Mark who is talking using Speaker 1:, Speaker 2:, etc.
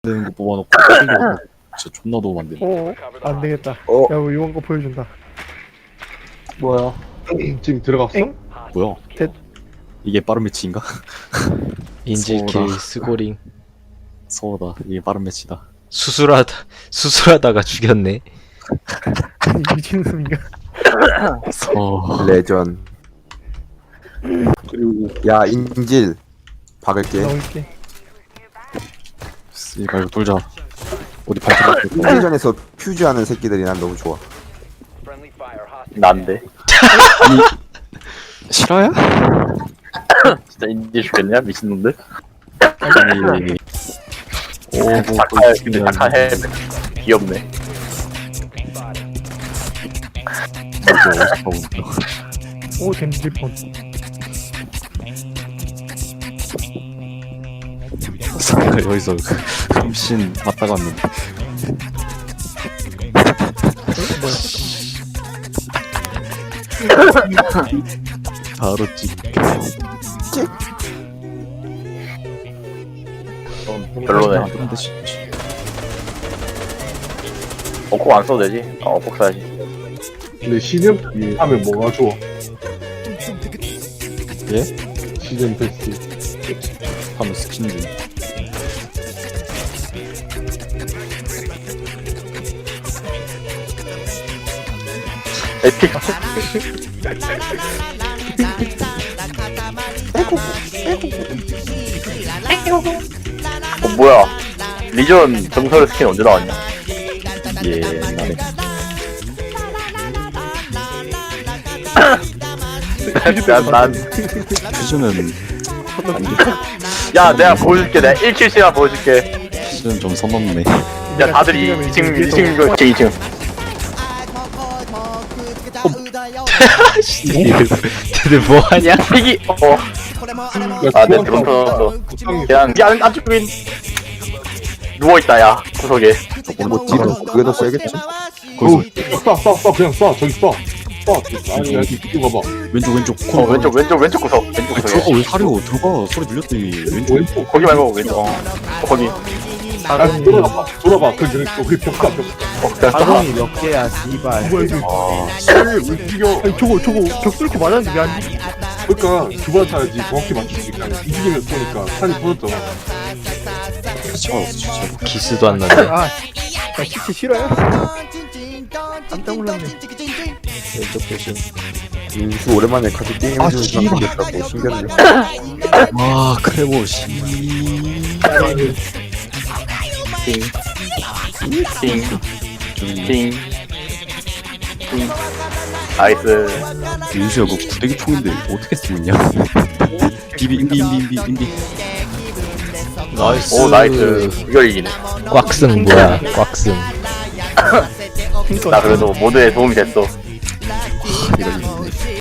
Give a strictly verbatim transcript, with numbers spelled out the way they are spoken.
Speaker 1: 되는 거 뽑아놓고 땡겨. 진짜 존나 도움 안 돼.
Speaker 2: 어, 안 되겠다.
Speaker 3: 어?
Speaker 2: 야, 우리 이런 거 보여준다.
Speaker 3: 뭐야?
Speaker 4: 지금 들어갔어?
Speaker 2: 엥?
Speaker 1: 뭐야?
Speaker 2: 됐.
Speaker 1: 이게 빠른 매치인가?
Speaker 5: 인질킬
Speaker 1: 서울아.
Speaker 5: 스고링
Speaker 1: 서울다. 이게 빠른 매치다.
Speaker 5: 수술하다 수술하다가 죽였네.
Speaker 2: 아니, 미친놈인가?
Speaker 1: 서.
Speaker 3: 레전.
Speaker 1: 그리고
Speaker 3: 야 인질 박을게.
Speaker 2: 나올게.
Speaker 1: 이발 돌자. 어디 발톱
Speaker 3: 인질전에서 퓨즈하는 새끼들이 난 너무 좋아.
Speaker 6: 난데
Speaker 1: 아니 실화야?
Speaker 6: 진짜 인디 죽겠냐 미친놈들.
Speaker 1: 아니 오뭐
Speaker 6: 착할 근데 착한 해 귀엽네.
Speaker 2: 오, 댐질폰.
Speaker 1: 여기서 흠신 맞다가 왔는데
Speaker 2: 뭐야?
Speaker 1: 바로 찍.
Speaker 6: 좀 별로네.
Speaker 1: 근데 씨.
Speaker 6: 어콕 안 써도 되지? 어 어콕 써야지.
Speaker 4: 근데 시즌 하면 뭐가 좋아?
Speaker 1: 예?
Speaker 4: 시즌 패스.
Speaker 1: 하면 스킨들.
Speaker 6: 에픽. 어 뭐야? 리전 정설 스킨 언제 나왔냐?
Speaker 1: 예, 나네.
Speaker 6: 난, 난,
Speaker 1: 퓨즈는
Speaker 6: 야, 내가 보여줄게. 내가 일 킬씩만 보여줄게.
Speaker 1: 퓨즈는 좀 선 넘네.
Speaker 6: 야, 다들 이 층, 이 층, 이거 이 층.
Speaker 5: 얘들 뭐하냐?
Speaker 6: 피기, 어. 아, 내 드론 터졌어. 그냥, 야, 안쪽인. 누워있다, 야, 구석에.
Speaker 3: 뭐 뒤로 그게 더 세겠지?
Speaker 4: 어우, 쏴, 쏴, 쏴, 그냥 쏴, 저기 쏴. 쏴. 아니, 야, 이거 봐봐.
Speaker 1: 왼쪽 왼쪽.
Speaker 6: 어, 왼쪽, 왼쪽, 왼쪽 구석. 왼쪽
Speaker 1: 아니,
Speaker 6: 구석에.
Speaker 1: 들어가 왜 사려? 들어가 소리 들렸더니 왼쪽.
Speaker 4: 왼쪽.
Speaker 6: 거기 말고, 왼쪽. 어, 거기.
Speaker 4: 아, 돌아봐. 돌아봐. 그, 그, 그, 벽가, 벽가.
Speaker 6: 어, 됐다.
Speaker 3: 가동이 몇 개야, 씨발.
Speaker 2: 뭐야, 이거?
Speaker 1: 아,
Speaker 4: 씨, 움직여.
Speaker 2: 아니, 저거, 저거, 벽 뚫고 맞았는데 왜 안 죽지?
Speaker 4: 그러니까, 두 번 타야지. 정확히 맞추지. 그냥 움직이면 쏘니까 산이 터졌잖아.
Speaker 1: 진짜 진짜.
Speaker 5: 기스도 안 나네.
Speaker 2: 아, 나 진짜 싫어요? 깜짝 놀랐네.
Speaker 5: 왼쪽 조심.
Speaker 3: 인수 오랜만에 같이 게임
Speaker 1: 아,
Speaker 3: 해주는 사람
Speaker 1: 씨발.
Speaker 3: 생겼다고 신기하네.
Speaker 1: 와 크레모 씨.
Speaker 6: 팅. 팅. 팅. 팅. 나이스.
Speaker 1: 윤수야 그 구대기 총인데 어떻게 쓰냐? 비비 인비 인비 인비 인비.
Speaker 5: 나이스.
Speaker 6: 오, 나이스. 이걸 이기네.
Speaker 5: 꽉승 뭐야? 꽉승.
Speaker 6: 나 그래도 모드에 도움이 됐어.
Speaker 1: 이런